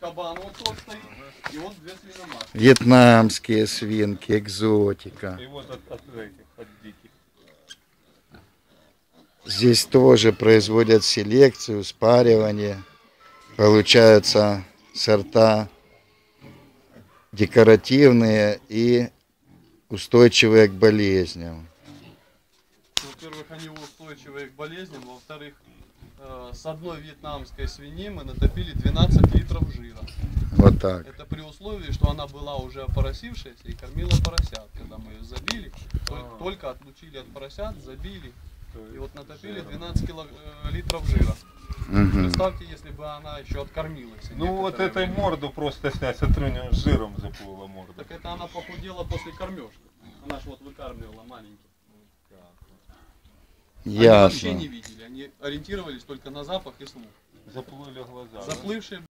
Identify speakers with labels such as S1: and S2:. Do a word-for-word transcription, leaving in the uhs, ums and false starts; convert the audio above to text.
S1: кабан вот тут стоит, и вот две свиноматки.
S2: Вьетнамские свинки, экзотика.
S3: И вот от, от этих, от диких.
S2: Здесь тоже производят селекцию, спаривание. Получаются сорта декоративные и устойчивые к болезням.
S1: Во-первых, они устойчивые к болезням, во-вторых, э, с одной вьетнамской свиньи мы натопили двенадцать литров жира.
S2: Вот так.
S1: Это при условии, что она была уже опоросившаяся и кормила поросят. Когда мы ее забили, только, только отлучили от поросят, забили. И вот натопили двенадцать кило, э, литров жира.
S2: Угу.
S1: Представьте, если бы она еще откормилась.
S3: Ну вот этой
S1: время.
S3: морду просто снять, смотри, у нее жиром заплыла морда.
S1: Так это она похудела после кормежки. Она же вот выкармливала маленьких. Они вообще
S2: Ясно.
S1: не видели, они ориентировались только на запах и слух.
S3: Заплыли глаза.
S1: Заплывшие